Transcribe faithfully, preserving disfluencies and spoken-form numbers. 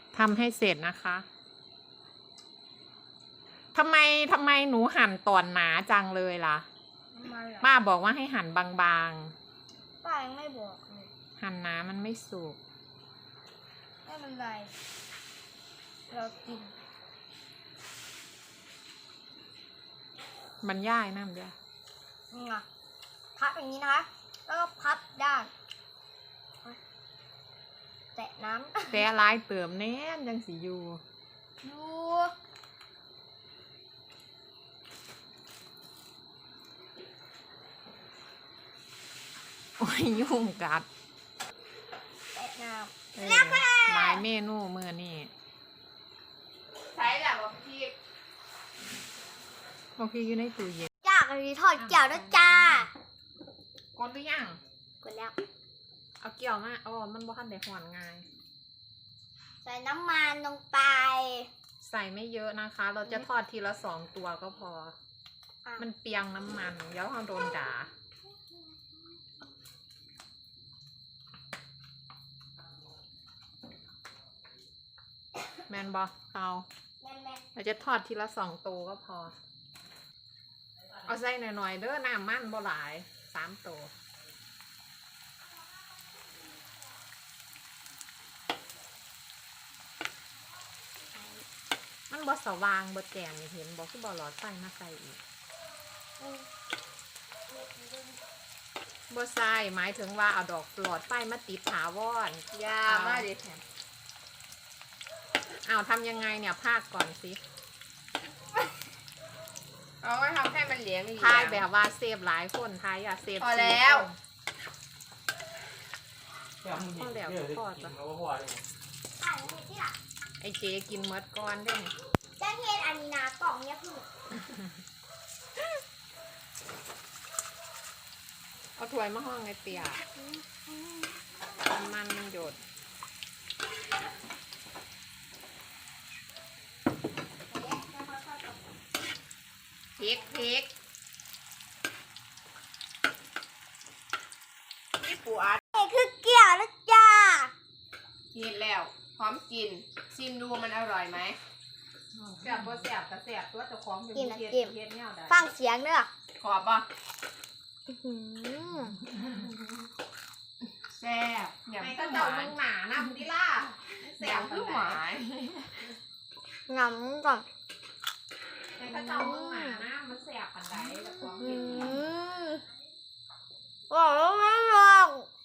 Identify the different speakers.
Speaker 1: ทำให้เสร็จนะคะทำไมทำไมหนูหั่นตอนหนาจังเลยล่ะป้าบอกว่าให้หั่นบาง
Speaker 2: ป้ายังไม่บอกเลย
Speaker 1: ๆ หั่นหนามันไม่สุก
Speaker 2: ไม่เป็นไรเรากิน
Speaker 1: มันย่ายน้ำเดียว
Speaker 2: นี่ไงพับอย่างนี้นะคะ แล้วก็พับด้านแตะน้ำ
Speaker 1: แต่ลายเติมแน่นยังสีอยู่
Speaker 2: ดู
Speaker 1: โอ้ยยุ่งกัด
Speaker 2: แตะน้
Speaker 1: เออหลายเมนูมือนี่
Speaker 3: ใช้แบบว่าพี่
Speaker 1: บอกพี่อยู่ในตู้เย็น
Speaker 2: ำจ้ากะทิทอดเกี่ยวนะจ้าก
Speaker 1: ดหรือยัง
Speaker 2: กดแล้ว
Speaker 1: เอาเกี่ยวมาอ๋อมันบ่ทันได้หอนง่าย
Speaker 2: ใส่น้ำมันลงไป
Speaker 1: ใส่ไม่เยอะนะคะ เราจะทอดทีละสองตัวก็พอ
Speaker 2: อ่ะ
Speaker 1: มันเปียงน้ำมันเดี๋ยวเราโดนด่าแมนบอเอา
Speaker 2: แม่แม่
Speaker 1: เราจะทอดทีละสองตัวก็พอ เอาใส่หน่อยๆเด้อน้ำมันบ่หลายสามตัวมันบ่สว่างบ่แจ่มนี่เห็นบ่คือบ่หลอดไฟมาใส่อีกบ่ใส่หมายถึงว่าเอาดอกหลอดไฟมาติดถาวร
Speaker 3: ยามาดิแถม
Speaker 1: อ้าวทำยังไงเนี่ยพากก่อนสิ
Speaker 3: เอาไว้ทำให้มันเหลียง
Speaker 1: ทายแบบว่าเซฟหลายคนทายอย่าเซฟ
Speaker 3: พอแล้ว
Speaker 1: พอแล้วพอจ้ะ
Speaker 2: อ่านนี่ที่ละ
Speaker 1: ไอเจกินเมดก้อนได้ไง
Speaker 2: จ้าเทียนอันนี้นะกล่องเนี้ยคือ
Speaker 1: เอาถ้วยมาห้องไอเตียน้ำมันมันหยดพริกพริก
Speaker 3: พี่ปูอัด
Speaker 2: นี่คือเกี่ยวนะจ้า
Speaker 3: เห็ดแล้ว พร้อมกิน ชิมดูมันอร่อยไหม
Speaker 1: แซ่บบ่แซ่บก็แซ่บตัวเจ้าของเป็น
Speaker 2: กินนะ
Speaker 1: เฮ็ด
Speaker 2: กิน
Speaker 1: เฮ็ดแนวใด
Speaker 2: ฟังเสียงเด้อ
Speaker 3: ขอบป่ะ
Speaker 2: อื้อหือ
Speaker 3: แซ่บอย่า
Speaker 1: ไอ้
Speaker 3: เพิ่
Speaker 1: ก็
Speaker 3: งห
Speaker 1: เจ้าว
Speaker 3: า
Speaker 1: มึ
Speaker 3: น
Speaker 1: งหนานะมึงดิล่ะ
Speaker 3: อ
Speaker 1: แซ่
Speaker 3: ย่า
Speaker 1: บ
Speaker 3: เพิ่ง
Speaker 1: ป
Speaker 3: ห
Speaker 1: าน
Speaker 3: วา
Speaker 1: ใด
Speaker 3: น
Speaker 2: งำก่อน
Speaker 1: ไอ้ก็เจ้ามึงหนานะมันแซ่บปานใดเจ้าของ
Speaker 2: อื
Speaker 1: เฮ็ด
Speaker 2: มบอกแล้วไม่ลอง